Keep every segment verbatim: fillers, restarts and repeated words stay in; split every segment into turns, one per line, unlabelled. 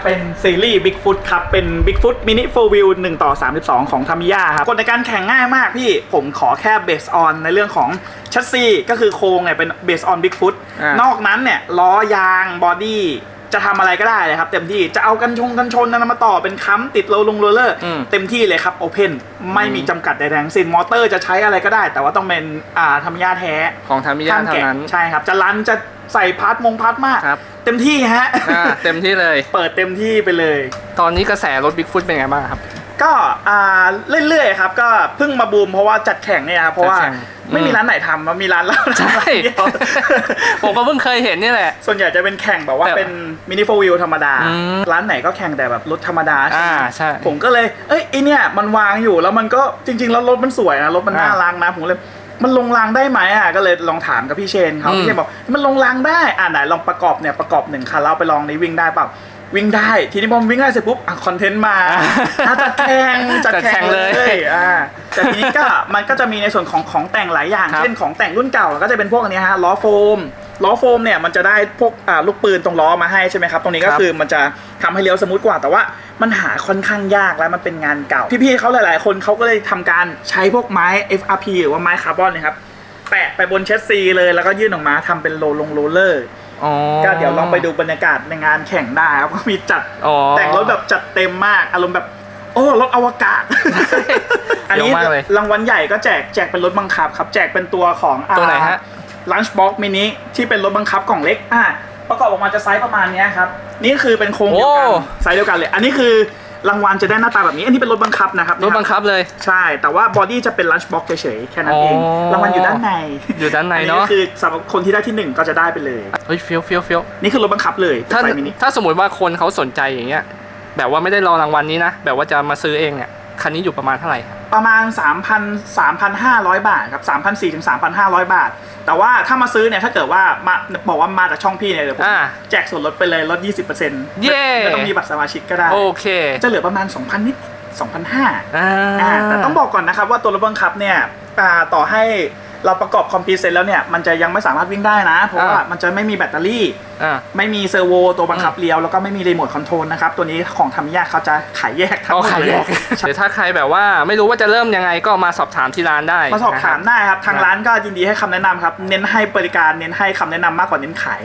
เป็นซีรีส์ Bigfoot ครับเป็น Bigfoot Mini four Wheel หนึ่งต่อสามสิบสองของ Tamiya ครับกฎในการแข่งง่ายมากพี่ผมขอแค่ Base on ในเรื่องของชัสซีก็คือโครงเนี่ยเป็น Base on Bigfoot นอกนั้นเนี่ยล้อยางบอดี้จะทำอะไรก็ได้เลยครับเต็มที่จะเอากันชงกันชนนำมาต่อเป็นค้ำติดโรลงโรลเลอร์เต็มที่เลยครับโอเพนไม่มีจำกัดใดๆทั้งสิ้นมอเตอร์จะใช้อะไรก็ได้แต่ว่าต้องเป็นอ่า Tamiya แท้
ของ Tamiya เท่านั้น
ใช่ครับจะรันจะใส่พาร์ทมงพาร์ทมากเต็มที่ฮะ
เต็มที่เลย
เปิดเต็มที่ไปเลย
ตอนนี้กระแสรถ Bigfoot เป็นไงบ้างครับ
ก็อ่าเรื่อยๆครับก็เพิ่งมาบูมเพราะว่าจัดแข่งเนี่ยครับเพราะว่าไม่มีร้านไหนทำมันมีร้านเรา
ใช่ผมก็เพิ่งเคยเห็นนี่แหละ
ส่วนใหญ่จะเป็นแข่งแบบว่าเป็นมินิโฟร์วิวธรรมดาร้านไหนก็แข่งแต่แบบรถธรรมดา
อ่าใช่
ผมก็เลยเอ้ยไอเนี่ยมันวางอยู่แล้วมันก็จริงๆแล้วรถมันสวยนะรถมันน่ารักนะผมเลยมันลงรางได้ไหมอ่ะก็เลยลองถามกับพี่เชนเขาพี่เชนบอกมันลงรางได้อ่าไหนลองประกอบเนี่ยประกอบหนึ่งคันแล้วไปลองนี้วิ่งได้เปล่าวิ่งได้ทีนี้พอวิ่งได้เสร็จปุ๊บอ่ะคอนเทนต์มาจัดแข่งจัดแข่งเลยอ่าแต่ทีนี้ก็มันก็จะมีในส่วนของของแต่งหลายอย่างเช่นของแต่งรุ่นเก่าก็จะเป็นพวกนี้ฮะล้อโฟมล้อโฟมเนี่ยมันจะได้พวกอ่าลูกปืนตรงล้อมาให้ใช่ไหมครับตรงนี้ก็คือมันจะทำให้เลี้ยวสมูทกว่าแต่ว่ามันหาค่อนข้างยากและมันเป็นงานเก่าพี่ๆเขาหลายๆคนเขาก็เลยทำการใช้พวกไม้ เอฟ อาร์ พี หรือว่าไม้คาร์บอนนะครับแปะไปบนเชสซีเลยแล้วก็ยื่นออกมาทำเป็นโรลงโรลเลอร์ก็เดี๋ยวลองไปดูบรรยากาศในงานแข่งได้ครับก็มีจัดแต่งรถแบบจัดเต็มมากอารมณ์แบบโอ้รถอวกาศ อันนี้รางวัลใหญ่ก็แจกแจกเป็นรถบังคับครับแจกเป็นตัวของ
ตัวไหนฮะ
Lunchbox Mini ที่เป็นรถบังคับกล่องเล็กอ่ะประกอบออกมาจะไซส์ประมาณนี้ครับนี่คือเป็นโครงเดียวกันไซส์เดียวกันเลยอันนี้คือรางวัลจะได้หน้าตาแบบนี้อันนี้เป็นรถบังคับนะครับ
รถบังคับเลย
ใช่แต่ว่าบอดี้จะเป็นลันช์บ็อกซ์เฉยๆแค่นั้นเองรางวัลอยู่ด้านใน
อยู่ด้านในเนาะ
อันนี้คือสำหรับคนที่ได้ที่หนึ่งก็จะได้ไปเลย
เฮ้ยเฟี้ยวเฟี้ยวเฟี้ยว
นี่คือรถบังคับเลย
ถ้าถ้าสมมติว่าคนเขาสนใจอย่างเงี้ยแบบว่าไม่ได้รอรางวัลนี้นะแบบว่าจะมาซื้อเองเนี่ยคันนี้อยู่ประมาณเท่าไหร่
ประมาณ สามพัน สามพันห้าร้อย บาทครับ สามพันสี่ร้อย ถึง สามพันห้าร้อย บาทแต่ว่าถ้ามาซื้อเนี่ยถ้าเกิดว่ามาบอกว่ามาจากช่องพี่เนี่ยเดี๋ยวผมแจกส่วนลดไปเลยลด ยี่สิบเปอร์เซ็นต์
เย้
ไม่ต้องมีบัตรสมาชิกก็ได้
โอเค
จะเหลือประมาณ สองพัน นิด สองพันห้าร้อย อ่าแต่ต้องบอกก่อนนะครับว่าตัวรถบังคับเนี่ยต่อให้เราประกอบคอมพิวเตอร์แล้วเนี่ยมันจะยังไม่สามารถวิ่งได้นะเพราะว่ามันจะไม่มีแบตเตอรี่ไม่มีเซอร์โวตัวบังคับเลี้ยวแล้วก็ไม่มีรีโมทคอนโทรลนะครับตัวนี้ของTamiyaเขาจะขายแยกทั้งหมดเลย
หรือถ้าใครแบบว่าไม่รู้ว่าจะเริ่มยังไงก็มาสอบถามที่ร้านได้
มาสอบถามได้ครับทางร้านก็ยินดีให้คำแนะนำครับเน้นให้บริการเน้นให้คำแนะนำมากกว่าเน้นขาย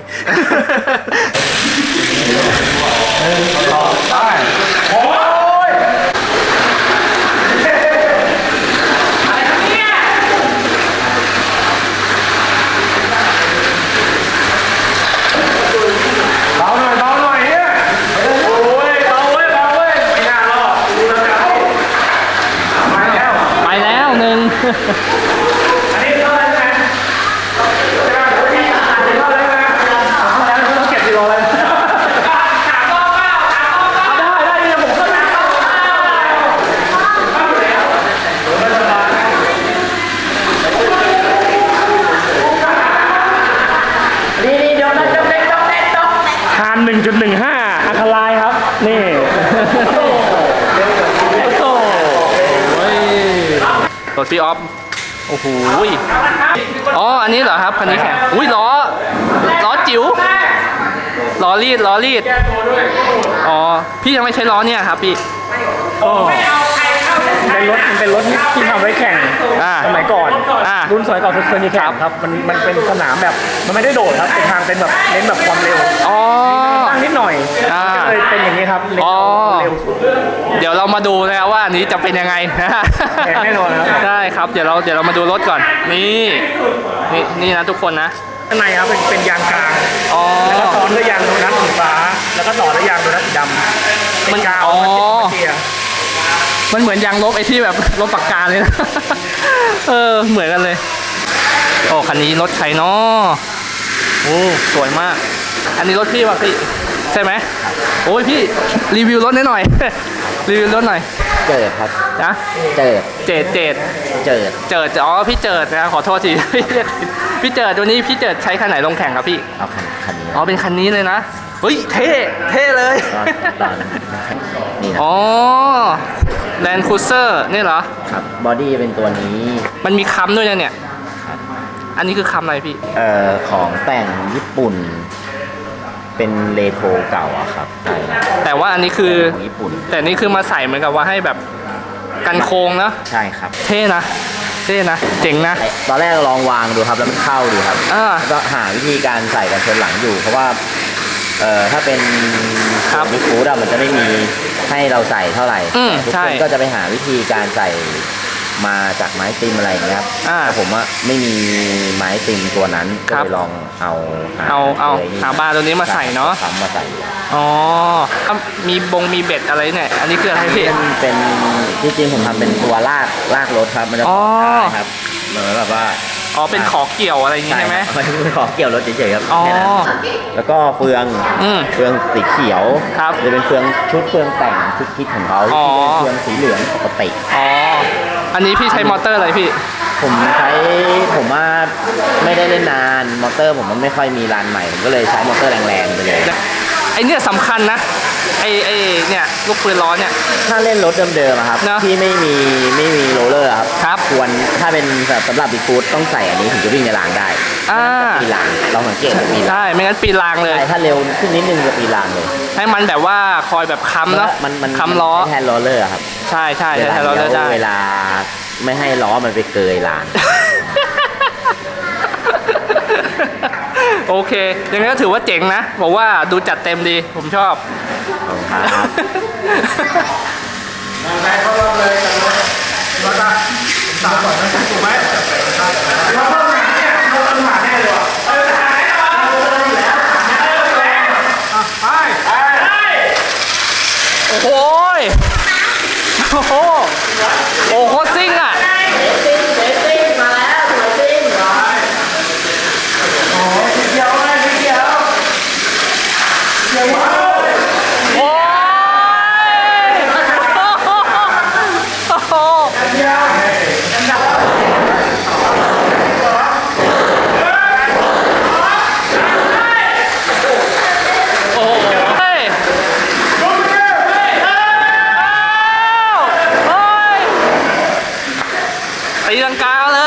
ได้โอ้ย
อันนี้เท่าไหร่ไหมเท่าไหร่ไหมต้องเก็บกิโลเลยสามรอบเก้าสามรอบเก้าได้ได้เดี๋ยวผมเข้ามานี่นี่เดี๋ยวนะจำเด็กจำเด็กจำเด็กทาน หนึ่งจุดหนึ่งห้า อัคลายครับนี่
รถพี่ออฟโอ้โหอ๋ออันนี้เหรอครับคันนี้แข่งอุ้ยล้อล้อจิ๋วล้อรีดล้อรีดอ๋อพี่ยังไม่ใช้ล้อเนี่ยครับพี่
โอ้เป็นรถมันเป็นรถที่ทำไว้แข่งสมัยก่อนรุ่นสมัยก่อนเคยมีแข่งครับมันมันเป็นสนามแบบมันไม่ได้โดดครับเป็นทางเป็นแบบเน้นแบบความเร็ว
อ๋อ
ตั้งนิดหน่อยก็เลยเป็นอย่างนี้ครับ
อ๋อเดี๋ยวเรามาดูนะว่าอันนี้จะเป็นยังไงนะ
แน่นอนครับ
ได้ครับเดี๋ยวเราเดี๋ยวเรามาดูรถก่อนนี่นี่นี่นะทุกคนนะ
ข้างในครับเป็นเป็นยางกลางแล้วก็ซ้อนด้วยยางโดนัทสีฟ้าแล้วก็ต่อด้วยยางโดนัทสีดำมันกาวมันเจีย
มันเหมือนยางลบไอ้ที่แบบลบปากกาเลยนะเออเหมือนกันเลยโอ้คันนี้รถใครเนาะโอ้สวยมากอันนี้รถพี่ป่ะพี่ใช่ไหมโอ้ยพี่รีวิวรถนิดหน่อยรีวิวรถหน่อย
เจิดครับ
นะ
เจิด
เจิดเจิด
เจิด
เจิดอ๋อพี่เจิดนะขอโทษทีพี่เจิดตัวนี้พี่เจิดใช้คันไหนลงแข่งครับพี่
เอาคันคันนี้
อ๋อเป็นคันนี้เลยนะเฮ้ยเท่เท่เลย
นี่นะ
อ๋อแลนด์ครูเซอร์นี่เหรอ
ครับบอดี้เป็นตัวนี้
มันมีค้ำด้วยนะเนี่ยอันนี้คือค้ำอะไรพี่
เอ่อของแต่งญี่ปุ่นเป็นเรโทรเก่าอะครับใช่
แต่ว่าอันนี้คือ
ของญี่ปุ่น
แต่นี่คือมาใส่เหมือนกับว่าให้แบบกันโค้งนะ
ใช่ครับ
เท่นะเท่นะเจ๋งนะ
ตอนแรกลองวางดูครับแล้วมันเข้าดูครับ
อ่า
ก็หาวิธีการใส่กันชนหลังอยู่ เพราะว่าเอ่อถ้าเป็น
ครับ
บิ๊กฟูดอะมันจะไม่มีให้เราใส่เท่าไหร่
อืม
ทุก
ใช่
คนก็จะไปหาวิธีการใส่มาจากไม้ติมอะไรอย่างเงี้ยครับ
อ่า
แต่ผมว่าไม่มีไม้ติมตัวนั้นก็
ครับ
เลยลองเอาห
เอาเอา
ลยนี่
หาบาร์ตัวนี้มาใส่เนอะ
ทำมาใส่
อ๋ออ่ะมีบงมีเบ็ดอะไรเนี่ยอันนี้คืออะไรพี่
เป็นเป็นจริงๆผมทำเป็นตัวลากลากรถครับมันจะ
อ๋อ
ได้ครับเหมือนแบบว่า
อ๋อเป็นขอเกี่ยวอะไรอย่างงี้ใช่ไหม
ครับมันเป็นของเกี่ยวรถเฉยๆครับ
อ๋อ
แค่นั้นแล้วก็เฟือง
อืม
เฟืองสีเขียว
ครับ
จะเป็นเฟืองชุดเฟืองแต่งชุดคิดของเขา
อ๋อ
ที่เป็นเฟืองสีเหลืองปกติ
อ๋ออันนี้พี่ใช้มอเตอร์อะไรพี่
ผมใช้ผมว่าไม่ได้เล่นนานมอเตอร์ผมมันไม่ค่อยมีรันใหม่ผมก็เลยใช้มอเตอร์แรงๆไปเลย
ไอเนี่ยสำคัญนะไอไอเนี่ยลูกปืนล้อเนี่ย
ถ้าเล่นรถเดิมๆอะครับ
เนอะ
ที่ไม่มีไม่มีโรลเลอร์อะครับ
ครับ
ควรถ้าเป็นแบบสำหรับบิ๊กฟูดต้องใส่อันนี้ถึงจะวิ่งในรางได้
อ่า
ปีรางเราสังเกตปีราง
ใช่ไม่งั้นปีนรางเลย
ใช่ถ้าเร็วขึ้นนิดนึงจะปีรางเลย
ให้มันแบบว่าคอยแบบค้ำเนาะ
มันมัน
ค้ำล้อ
ใช้แทนโรลเลอร์อะครับ
ใช่ใช่ใช่ใช่เราจะได้
เวลาไม่ให้ล้อมันไปเกยราง
โอเคยังไงก็ถือว่าเจ๋งนะบอกว่าดูจัดเต็มดีผมชอบ
ครับ
ใครเข้ารอบเลยกันเลยรถอะสามก่อนนะถูกไหมเราเข้าหาเนี่ยเราต้องหาแน่เลยว่ะเออหาแน่นอนเราอยู่แล้วหาแน่เลยอ่ะไปไปไป
โอ้โหยโอ้โหโอ้โหซิ่งอ่ะ
โอ้ยเดียวเลยเดียวเดียวว้าว
โอ้ยโอ้โห
เดียวอันดับ
โอ้โหเฮ้ยอ้าวเฮ้ยตีลังกาเลย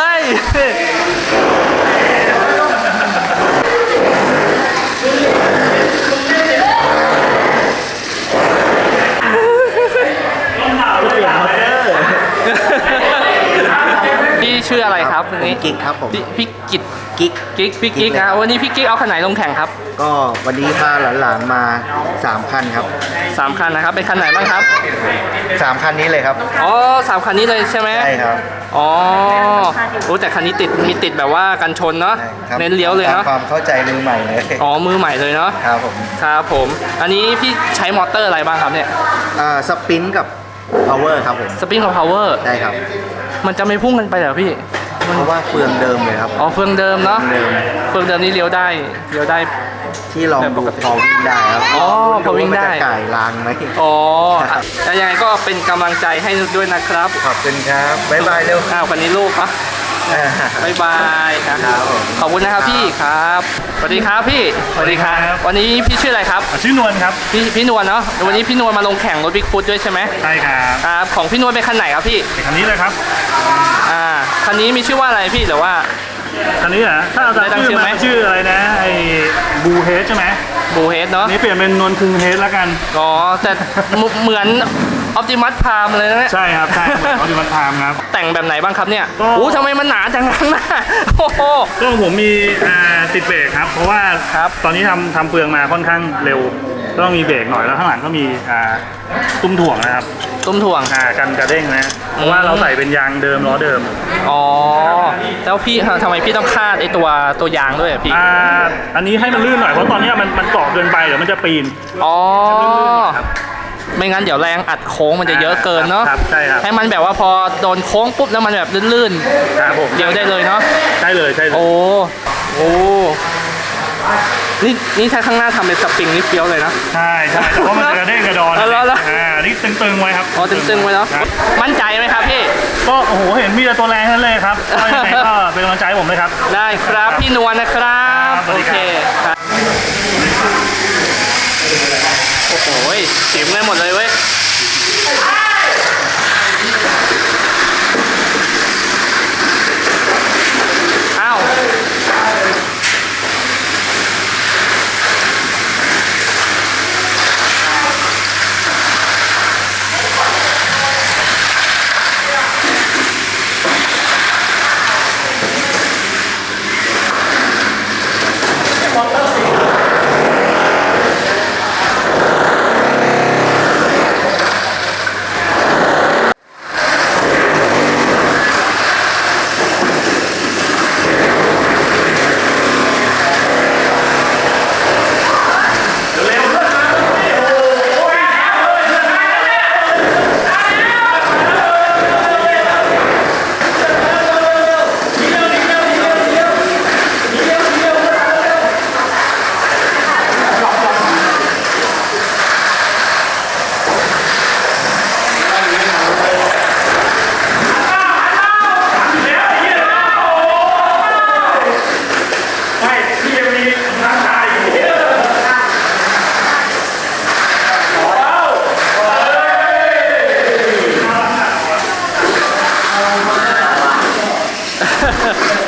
พี่ชื่ออะไรครับวันนี้
กิ๊กครับผม
พี่พี่กิต
กิ๊ก
กิ๊กพี่กิ๊ก
กิ๊กเลย
นะวันนี้พี่กิ๊กเอาคันไหนลงแข่งครับ
ก็วันนี้พาหลานๆมาสามคันครับ
สามคันนะครับเป็นคันไหนบ้างครับ
สามคันนี้เลยครับ
อ๋อสามคันนี้เลยใช่ไหม
ใช่ครับ
อ๋อรู้แต่คันนี้ติดมีติดแบบว่ากันชนเนาะ
ใช่ครับ
เน้นเลี้ยวเลยเนาะ
ตามความเข้าใจมือใหม่เลย
อ๋อมือใหม่เลยเนาะ
ครับผม
ครับผมอันนี้พี่ใช้มอเตอร์อะไรบ้างครับเนี่ย
อ่าสปินกับ power ครับผม
สปริงกับพาวเวอร์
ได้ครับ
มันจะไม่พุ่งกันไปเหรอพี่
เพราะว่าเฟืองเดิมเลยครับ
อ๋อเฟืองเดิมเนาะ
เดิม
เฟืองเดิมนี่เลี้ยวได้เลี้ยวได้
ที่ลองดูพอวิ่งได้ครับ
อ๋อพอวิ่งได้
ามันจะก่ายรางไหม
อ๋อแต่ยังไงก็เป็นกำลังใจให้ด้วยนะครับ
ขอบคุณครับบ๊ายบายเร็ว
อ้าววันนี้ลูกเนาะ
อ่า
บายบายครับ
ครับผม
ขอบคุณนะครับพี่ครับสวัสดีครับพี่สวัสดีครับวันนี้พี่ชื่ออะไรครับ
ชื่อนวลครับ
พี่พี่นวลเนาะวันนี้พี่นวลมาลงแข่งรถบิ๊กฟุตด้วยใช่ไหม
ใช่ครับ
ครับของพี่นวลเป็นคันไหนครับพี่
เป็นคันนี้เลยครับ
อ่าคันนี้มีชื่อว่าอะไรพี่หรือว่า
คันนี้เหรอถ้าเอา
ได้ตั้
ตาม
งชื่
ชื่
อ
อ
ไหม
มันชื่ออะไรนะไอ้บูเฮดใช่ไหม
บูเฮดเนาะ
อันนี้เปลี่ยนเป็นนวลคุงเฮดแล้วกัน
อ๋อแต่เหมืเหมือนออปติมัสพามเลยนะเนี่ย
ใช่ครับใช่เหมือนเขาดิมันไทม์ครับ
แต่งแบบไหนบ้างครับเนี่ย
ก็
โอ้ทำไมมันหนาจังข้างหน้าโอ้โห
ก็ผมมีอ่าติดเบรกครับ เพราะว่า
ครับ
ตอนนี้ทำทำเปลืองมาค่อนข้างเร็วก็ต้องมีเบรกหน่อยแล้วข้างหลังก็มีอ่าตุ้มถ่วงนะครับ
ตุ้มถ่วง
อ่ากันกระเด้งนะเพราะว่าเราใส่เป็นยางเดิมล้อเดิม
อ๋อแล้วพี่ทำไมพี่ต้องคาดไอตัวตัวยางด้วยอะพี่
อ่าอันนี้ให้มันลื่นหน่อยเพราะตอนนี้มันมันเกาะเกินไปเดี๋ยวมันจะปีน
อ๋อ
ครับ
ไม่งั้นเดี๋ยวแรงอัดโค้งมันจะเยอะเกินเนาะ
ครับใช่ครับ
ให้มันแบบว่าพอโดนโค้งปุ๊บแล้วมันแบบลื่น
ครับผม
ๆเดียวได้เลยเนาะ
ใช่เลยใช่เลย
โอ้โอ้นี่นี่ถ้าข้างหน้าทำเป็นสปริงนี่เฟี้ยวเลยนะ
ใช่ใช่แต่ว่ามันจะกระเด้งกระดอน
เอาแล้วแล้ว
อ่านี่ตึงๆไว้ครับ
อ๋อตึงๆไว้เนาะ
ครับ
มั่นใจไหมครับพี่
ก็โอ้โหเห็นมีแต่ตัวแรงทั้งนั้นเลยครับก็ยังไงก็เป็นกำลังใจให้ผมเลยครับ
ได้ครับพี่นวลนะครับ
ครับสวั
โอ
สดี
เค
ครับ
ครับโอ้โหเสียงเลยหมดเลยเว้ยอ้าว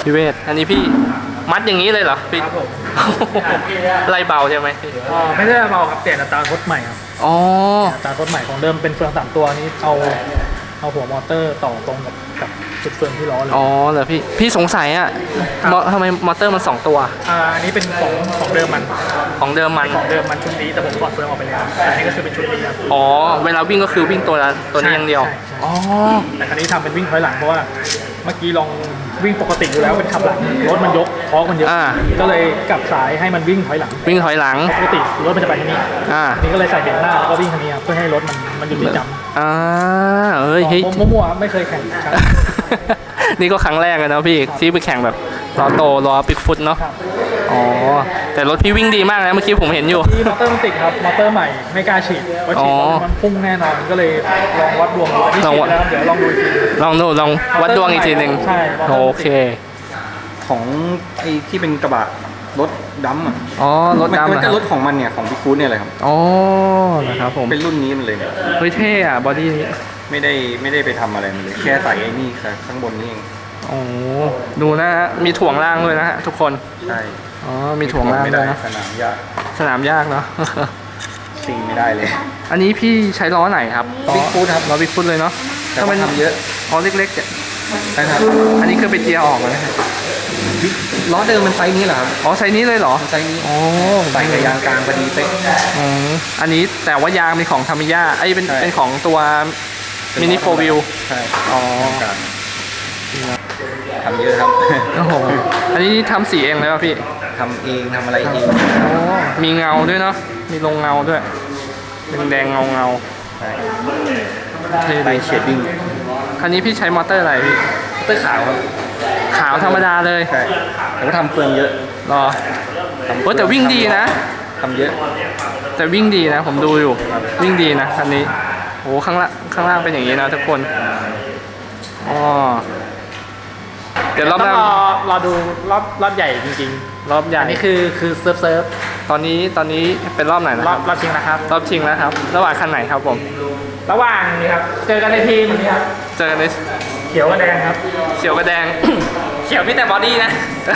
พี่เวทอันนี้พี่มัดอย่างนี้เลยเหรอพี่
ครับผม
ไล่เบาใช่ไหมพี่
อ่าไม่ได้เบาครับเปลี่ยนอัตราคดใหม่ครับ
อ๋อ
อัตราคดใหม่ของเดิมเป็นเฟืองสามตัวนี้เอาเอาหัวมอเตอร์ต่อตรงกับกับจุดเฟืองที่ล้อเลย
อ๋อเหรอพี่พี่สงสัยอ่ะมอทำไมมอเตอร์มันสองตัว
อ่าอันนี้เป็นของของเดิมมัน
ของเดิมมัน
ของเดิมมันชุดนี้แต่ผมถอดเฟืองออกไปแล้วอันนี้ก็คือเป็นชุดนี้ครับ
อ๋อเวลาวิ่งก็คือวิ่งตัวละตัวนี้อย่างเดียว
ใช่ใช่
อ๋อ
แต่ครั้นี้ทำเป็นวิ่งถอยหลังเพราะว่าเมื่อกี้ลองวิ่งปกติอยู่แล้วเป็นขับหลังรถมันยกท้องมันเยอะ
อ่า
ก็เลยกลับสายให้มันวิ่งถอยหลัง
วิ่งถอยหลัง
ปกติรถมันจะไปทางนี้
อ่า
อันนี้ก็เลยใส่เบรกหน้าแล้วก็วิ่งทางนี้ครับเพื่อให้รถมันมันหยุดที่จำ
อ่าเอ้ยเฮ้ย
มั่วๆไม่เคยแข่งครับ
นี่ก็ครั้งแรกเลยนะพี่ที่ไปแข่งแบบล้อโตล้อปิกฟุตเนาะ
ครับ
อ๋อแต่รถพี่วิ่งดีมากนะเมื่อกี้ผมเห็นอยู่
ที่มอเตอร์มันติดครับ มอเตอร์ใหม่ไม่กล้าฉีดเพราะฉีดแล้วมันพุ่งแน่นอนก็เลยลองวัดดวงดูอันนี้
ลอง
ฉี
วั
ด
ด
แล้วครับเดี๋ยวลองดูอีกที
ลองดูลองวัดดวงอีกทีหนึ่ง
ใช่มอเตอร์
โอเค
ของไอ้ที่เป็นกระบะรถดัมอ่ะ
อ๋อรถ
มัน
ดำ
มัน
นะค
ก็
รับ
รถของมันเนี่ยของพี่คูดเนี่ยแหละครับ
อ๋อนะครับผม
เป็นรุ่นนี้มันเลยเนี่ย
เฮ้ยเท่อะบอดี้นี้
ไม่ได้ไม่ได้ไปทำอะไรมันเลย แค่ใส่ไอ้นี่ค่ะข้างบนนี่เอง
โอ้ดูนะฮะมีถ่วงล่างด้วยนะฮะทุกคน
ใช่
อ๋อมีถ่วงล่าง
ไม่
ด้
ได้
วยนะ
สนามยาก
สนามยากเนาะ
ซิงไม่ได้เลย
อันนี้พี่ใช้ล้อไหนครับ
Big Foot ครับ
ล้อบิ๊กฟุตเลยเนาะ
แต่ว่าทำเยอะ
อ๋อเล็กๆเนี่ย
ใช่ครับ
อันนี้คือไปเจียร์ออกเลย
ล้อเดิมมันไซส์นี้เหรอครับ
อ๋อไซส์นี้เลยเหรอ
มันไซส์นี้
อ๋อ
ใส่กับยางกลางพอดีเป๊ะ
อืมอันนี้แต่ว่ายางเป็นของทามิยาไอ้ยเป็น
ใช่
เป็นของตัวมินิโฟวิล
ใช่
อ๋อ
ยางกลางทำเยอะครับ
โอ้โหอันนี้ทำสีเองเลยป่ะพี่
ทำเองทำอะไรเอง
อ๋อมีเงาด้วยเนาะมีลงเงาด้วยเป็นแดงเงาเงา
ใช่
ๆเท่
ไล
ดี
ท์เชดดิ้ง
คันนี้พี่ใช้มอเตอร์อะไรพี่
เตอร์ขาวครับ
ขาวธรรมดาเลย
ใช่แต่ว่าทำเฟืองเยอะ
รอ
ทำ
โอ้แต่วิ่งดีนะ
ทำเยอะ
แต่วิ่งดีนะ ผมดูอยู่ วิ่งดีนะคันนี้โอ้ข้างล่างข้างล่างเป็นอย่างนี้นะทุกคนอ๋อเดี๋ยวรอบห
ต้อ
น้าง
รอรอดูรอบรอบใหญ่จริง
รอบให
ๆ
ญ่
อันนี้คือคือเซิร์ฟเซิร์ฟ
ตอนนี้ตอนนี้เป็นรอบไหนนะ
ร
ค
อ
รั
บบ รอบชิงนะครับ
รอบชิงแล้วครับ ระหว่างคันไหนครับผม
ระหว่างนี้ครับเจอกันในทีมนี้ครับ
เจอกันใน
เขียวกับแดงครับ
เขียวกับแดง เขียวมีแต่บอดี้นะ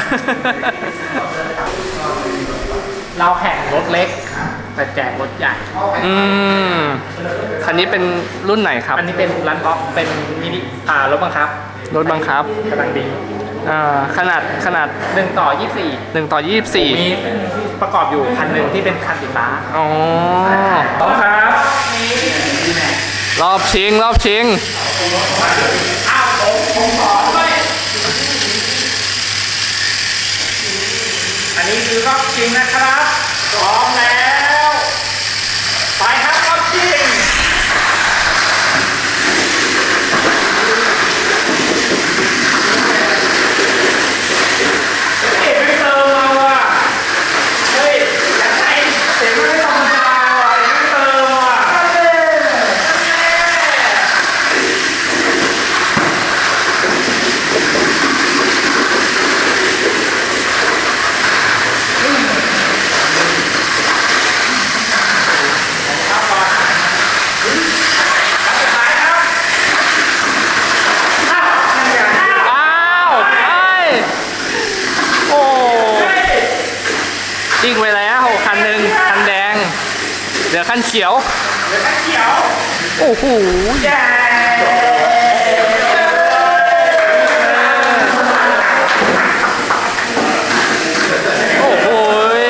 เราแข่งรถเล็กแต่แจกรถใหญ่
อืมคันนี้เป็นรุ่นไหนครับ
อันนี้เป็นรันบ็อกเป็นมินิอ่ารถบังคับ
รถบังคับ
กำลังดี
อ่าขนาดขนาด
หนึ่งต่อยี่สิบสี่
หนึ่งต่อยี่สิบสี่
มีประกอบอยู่คันหนึ่งที่เป็นคันสีฟ้า
อ๋อ
พร้อมครับ
รอบชิงรอบชิง
อันนี้คือรอบชิงนะครับพร้อมแล้วไปครับรอบชิงเอ็ไม่เติมมาว่ะเฮ้ยอยากให้เสียงไม่ธรรมดาว่ะเอ็ไม่เติมว่ะ
อ้าวไอ้โอ้ยิงไปแล้วคันหนึ่งคันแดงเหลือคันเขียวโอ้โหโอ้โห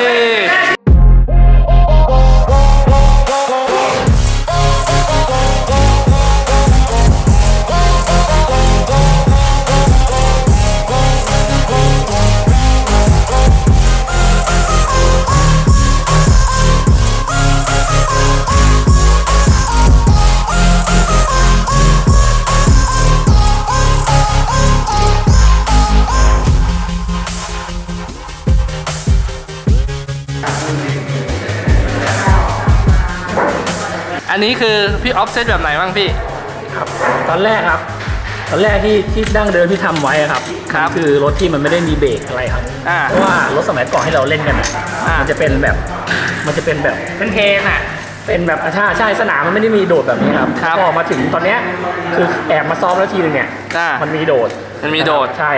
อันนี้คือพี่ออฟเซตแบบไหนบ้างพี่
ครับตอนแรกครับ ตอนแรกที่ที่ดั้งเดิมที่ทำไว้อะครับ
ครับ
คือรถที่มันไม่ได้มีเบรกอะไรครับ
อ่า
เพราะว่ารถสมัยก่อนที่เราเล่นกันอะ
อ่ามั
มันจะเป็นแบบมันจะเป็นแบบเป็นเทนอ่ะเป็นแบบอ่ะใช่ใช่สนามมันไม่ได้มีโดดแบบนี้ครับ
ครับ
พอมาถึงตอนเนี้ยคือแอบมาซ้อมแล้วทีนึงเนี่ย
อ่า
มันมีโดด
มันมีโดด
ใช่ครับ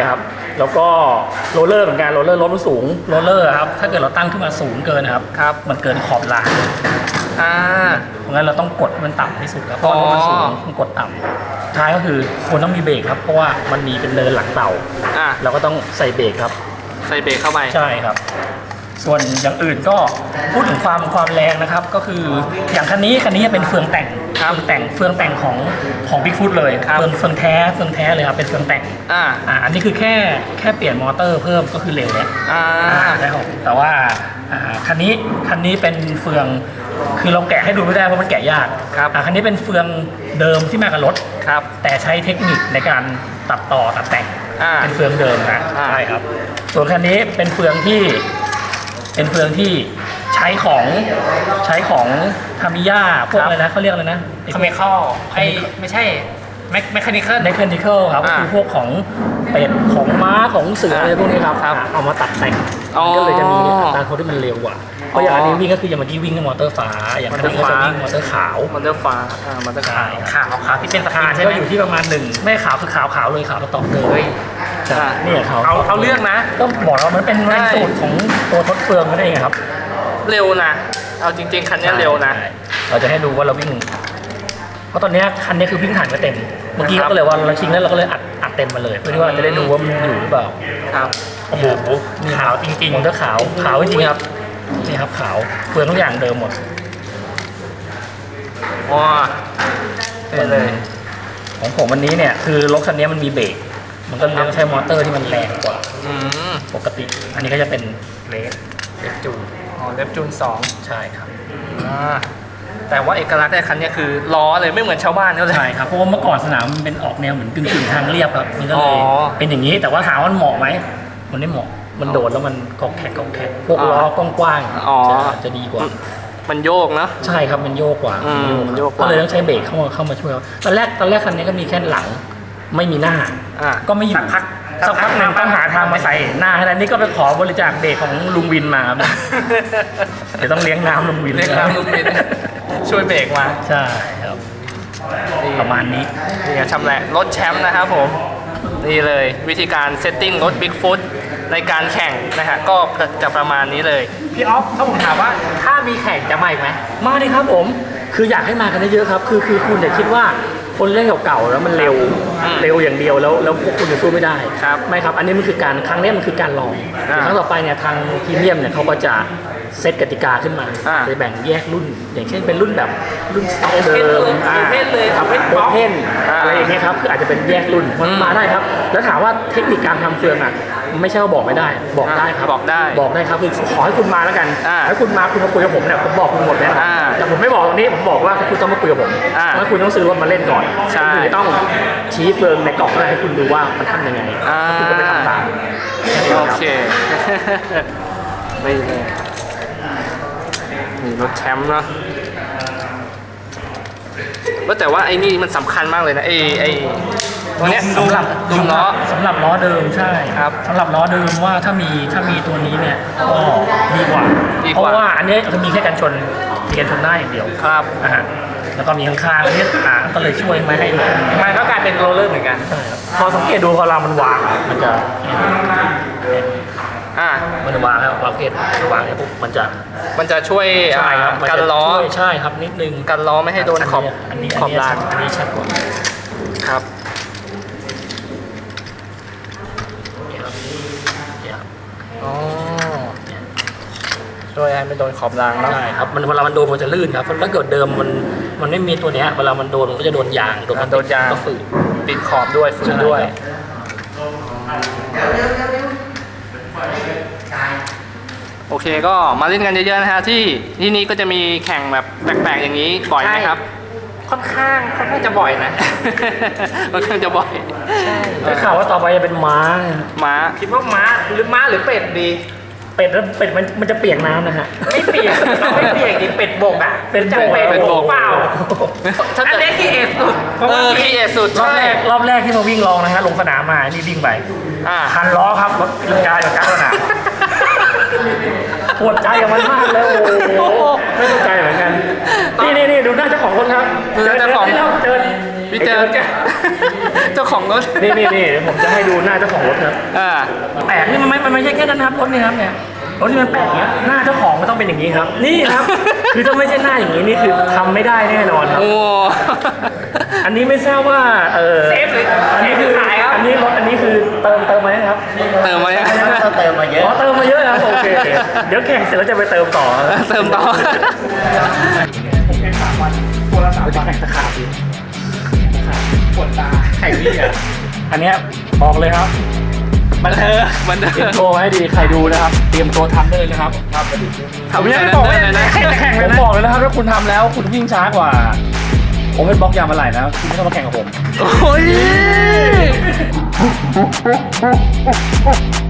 แล้วก็โรลเลอร์เหมือนกันโรลเลอร์รถมันสูงโรลเลอร์ครับถ้าเกิดเราตั้งขึ้นมาสูงเกินนะครับ
ครับ
มันเกินขอบราง
อ่า
เพราะงั้นเราต้องกดให้มันต่ำที่สุดแล้วเพราะว่ารถมันสูงต้องกดต่ำท้ายก็คือควรต้องมีเบรกครับเพราะว่ามันมีเป็นเนินหลังเต่า
อ่า
เราก็ต้องใส่เบรกครับ
ใส่เบรกเข้าไป
ใช่ครับ ส่วนอย่างอื่นก็พูดถึงความความแรงนะครับ ก็คืออย่างคันนี้คันนี้เป็นเฟืองแต่ง
ครับ
เฟืองแต่งเฟืองแต่งของของ Bigfoot เลย
ครับ
เฟืองเฟืองแท้เฟืองแท้เลยครับเป็นเฟืองแต่ง
อ่า
อ่าอันนี้คือแค่แค่เปลี่ยนมอเตอร์เพิ่มก็คือเร็วแล้ว
อ่า
ใช่ครับแต่ว่าอ่าคันนี้คันนี้เป็นเฟืองคือเราแกะให้ดูไม่ได้เพราะมันแกะยาก
ครับ
อ่าคันนี้เป็นเฟืองเดิมที่มากับรถ
ครับ
แต่ใช้เทคนิคในการตัดต่อตัดแต่ง
อ่า
เป็นเฟืองเดิมนะ
อ่า
ใช่ครับ ส่วนคันนี้เป็นเฟืองที่เป็นเฟืองที่ใช้ของใช้ของทามิยาพวกอะไรนะเขาเรียกอะไรนะ
คอมเมคอลไอไม่ใช่แมคแมคคานิคอล
เมคานิคอลครับก็
อ่า
คือพวกของเป็ดของม้าของเสือ
อ่า
อะไรพวกนี้ครับ
ครับ
อ่าเอามาตัดแต่ง
อ๋อ
มันก็เลยจะมีอัตราโค้ดที่มันเร็วกว่าเพราะอย่างอันนี้วิ่งก็คืออย่างเมื่อกี้วิ่งกับมอเตอร์ฟ้าอย่างคันนี้ก็จะวิ่งมอเตอร์ขาว
มันจะฟ้าอ่ามันจะขาว
ขาวขาวที่เป็นสะพานก็อยู่ที่ประมาณหนึ่งไม่ขาวคือขาวขาวเลยขาวกระตอกเกิน
เฮ้ย
ใช่เนี่ยขาว
เอาเอาเรื่องนะ
ก็บอกแล้วมันเป็นแรงสูตรของตัวทดเฟืองนั่นเองครับ
เร็วนะ เอาจริงๆ คันนี้เร็วนะ
ใช่เราจะให้ดูว่าเราวิ่ง เพราะตอนเนี้ยคันนี้คือวิ่งผ่านก็เต็ม เมื่อกี้
นะครับ
ก็เลยว่าเราชิงแล้วเราก็เลยอัดอัดเต็มมาเลยเพื่อที่ว่าจะได้ดูว่ามันอยู่หรือเปล่า
ครับ
โอ้โหขาวจริงๆมันก็ขาวขาวจริงๆครับนี่ครับขาวเฟืองทุกอย่างเดิมหมด
ว้าเป็นเลย
ของผมวันนี้เนี่ยคือรถคันนี้มันมีเบรกมันก็เลยต้องใช้มอเตอร์ที่มันแรงกว่า
อืม
ปกติ อันนี้ก็จะเป็นเลสเลสจูน
อ๋อเล็บจูนสอง
ใช่ครับ
อ่าแต่ว่าเอกลักษณ์ในคันนี้คือล้อเลยไม่เหมือนชาวบ้านเขาเลย
ใช่ครับเพราะว่าเมื่อก่อนสนามมันเป็นออกแนวเหมือนกึ่งๆทางเรียบครับมันก็เลย
อ๋อ
เป็นอย่างนี้แต่ว่าถามว่ามันเหมาะไหมมันไม่เหมาะมันโดดแล้วมันกอกแขกกอกแขกพวกล้อกว้าง
อ๋อ
ๆจะจะดีกว่า
มันโยกเนอะ
ใช่ครับมันโยกกว่า
อืม
มัน
โยกกว่า
ก็เลยต้องใช้เบรกเข้ามาเข้ามาช่วยตอนแรกตอนแรกคันนี้ก็มีแค่หลังไม่มีหน้า
อ่า
ก็ไม่อยู่สักพักสักพักหนึ่งต้องหาทางมาใส่หน้าให้ได้นี่ก็ไปขอบริจาคเบรกของลุงวินมาครับ เดี๋ยวต้องเลี้ยงน้ำลุงวิน
เรียกน้ำลูกบินช่วยเบรกมา
ใช่ครับ
นี่
ประมาณนี้
นี่ไงชำแหละรถแชมป์นะครับผม นี่เลยวิธีการเซตติ้งรถ Bigfoot ในการแข่งนะฮะก็จะประมาณนี้เลย
พี่ออฟถ้าผมถามว่าถ้ามีแข่งจะมาอีกไหมมาดิครับผม คืออยากให้มากันเยอะๆครับ คือคือคุณอย่าคิดว่าคนเล่นเก่าๆแล้วมันเร็ว
อืม
เร็วอย่างเดียวแล้วแล้วพวกคุณจะสู้ไม่ได้
ครับ
ไม่ครับ อันนี้มันคือการครั้งนี้มันคือการลอง
อ่า
ครั้งต่อไปเนี่ยทางพรีเมียมเนี่ยเขาก็จะเซตกติกาขึ้นมา
อ่า
จะแบ่งแยกรุ่น อย่างเช่นเป็นรุ่นแบบรุ่นสต็อก
โอ
เดิ
เพ่นเลย
มอ่า
โอเพ่นเลย
ครับ
โอเพ่น
โอเพ่น
อ่า
อะไรอย่างเงี้ยครับคืออาจจะเป็นแยกรุ่นมัน
อืม
มาได้ครับ แล้วถามว่าเทคนิคการทำเฟืองอ่ะไม่ใช่ว่าบอกไม่ได้ บอกได้ครับ
บอกได้
บอกได้ครับคือขอให้คุณมาแล้วกัน
อ่า
ถ้าคุณมาคุณมาคุยกับผมเนี่ยผมบอกคุณหมดแน่นอน
อ่า
แต่ผมไม่บอกตรงนี้ผมบอกว่าคุณต้องมาคุยกับผม
อ่า
เพราะคุณต้องซื้อรถมาเล่นก่อน
ใช่
คุณจะต้องชี้เฟืองในกล่องให้คุณดูว่ามันทำยังไง
อ่า
คุณก็ไปทำตาม
โอเค ไม่เลยนี่รถแชมป์เนาะก็แต่ว่าไอ้นี่มันสำคัญมากเลยนะไอ้ไอ้ตัวเนี้ย
สำหรับ
ดุมล้อ
สำหรับล้อเดิมใช่
ครับ
สำหรับล้อเดิมว่าถ้ามีถ้ามีตัวนี้เนี่ยก็ดีกว่า
ดีกว่า
เพราะว่าอันนี้คือมีแค่กันชนมีกันชนหน้าอย่างเดียว
ครับ
อ่าฮะแล้วก็มีข้างๆอันนี้อ่าก็เลยช่วยไม่ให้มัน
มันก็กลายเป็นโรลเลอร์เหมือนกัน
ใช่ครับพอสังเกตดูพอเรามันวางมันจะ
อ่า
มันจะวางครับวางเพศวางเนี่ยปุ๊บมันจะ
มันจะช่วย
ใช่ครับมั
กัน
จะ
ล้อ
ช่วยใช่ครับนิดนึง
กันล้อไม่ให้โดนขอบ
อันนี้
ขอบลาน
อันนี้ชัดกว่า
ครับ
เนี่ยครับเนี่ยครับ
อ๋อช่วยให้ไม่โดนขอบรางเนาะ
ใช่ครับมันเวลามันโดนมันจะลื่นครับถ้าเกิดเดิมมันมันไม่มีตัวเนี้ยเวลามันโดนมันก็จะโดนยางโดน
อ่าโดนยาง
ก็ฝืด
ปิดขอบด้วยฝืนด้วย โอเคก็มาเล่นกันเยอะๆนะฮะที่ที่นี่ก็จะมีแข่งแบบแปลกๆอย่างนี้บ่อยไหมครับ
ค่อนข้างค่อนข้างจะบ่อยนะ
ค่อนข้างจะบ่อย
ได้ข่าวว่าต่อไปจะเป็นม้า
ม้า
คิดว่าม้าหรือม้าหรือเป็ดดี
เป็ดแล้วเป็ดมันมันจะเปียกน้ำนะฮะ
ไม่เปียกไม่เปียกดิเป็ดบกอ่ะ
เป็น
จะ
โบก
เป็ด
เป็น
บ
โบ
ก
ก
เปล่า
ถ้า
อัน
เกิด
นี้ขี้เอ็ดสุด
เออขี้เอสุด
รอบ
ใช่
แรกรอบแรกที่มาวิ่งลองนะฮะลงสนามมานี่วิ่งไป
อ่า
พันล้อครับรถกินกายกับกลางสนามปวดใจกับมันมากเลยโอ้โหไม่เข้าใจเหมือนกันนี่นี่นี่ดูหน้าเจ้าของรถครับ
ดูหน้าเจ้าของ
เจอ
พี่เจอ
ไอ้
เจ้าของรถ
นี่นี่นี่ผมจะให้ดูหน้าเจ้าของรถครับ
อ่า
แปลกนี่มันไม่มันไม่ใช่แค่นั้นนะครับรถนี่ครับเนี่ยรถที่มันแปลกเนี้ยหน้าเจ้าของมันต้องเป็นอย่างนี้ครับ นี่ครับ คือถ้าไม่ใช่หน้าอย่างนี้นี่คือทำไม่ได้แน่นอนครับ
โอ้
อันนี้ไม่ทราบว่าเออ
เซฟหรือ
อันนี้คือ
ขายครับ
อันนี้รถอันนี้คือเติมเติมมาไหมครับ
เติมมายัง
ต้องเติมมาเยอะ
อ๋อเติมมาเยอะครับโอเคเดี๋ยวแข่งเสร็จแล้วจะไปเติมต่อครับ
เติมต่อ
ผมแข่งสามวันตัวละสามวันแข่งตะขาบดิปวดตาแข่งนี่อ่ะ
อันเนี้ยบอกเลยครับ
บันเทิงบัน
เตรี
เทิ
ยม
ง
ตัวให้ดีใครดูนะครับ เตรียมตัวทำได้เลยนะครับ
ทำ
ผม
ยั
ยัง ง
ไง
ไม่บอกว่า
เลยนะ
แข่งแข่งเลยนะผมบอกเลยนะครับถ้าคุณทำแล้วคุณวิ่งช้ากว่าโอเพนบล็อกยางมาไหลนะคุณไม่ต้องมาแข่งกับผม
โอ้ย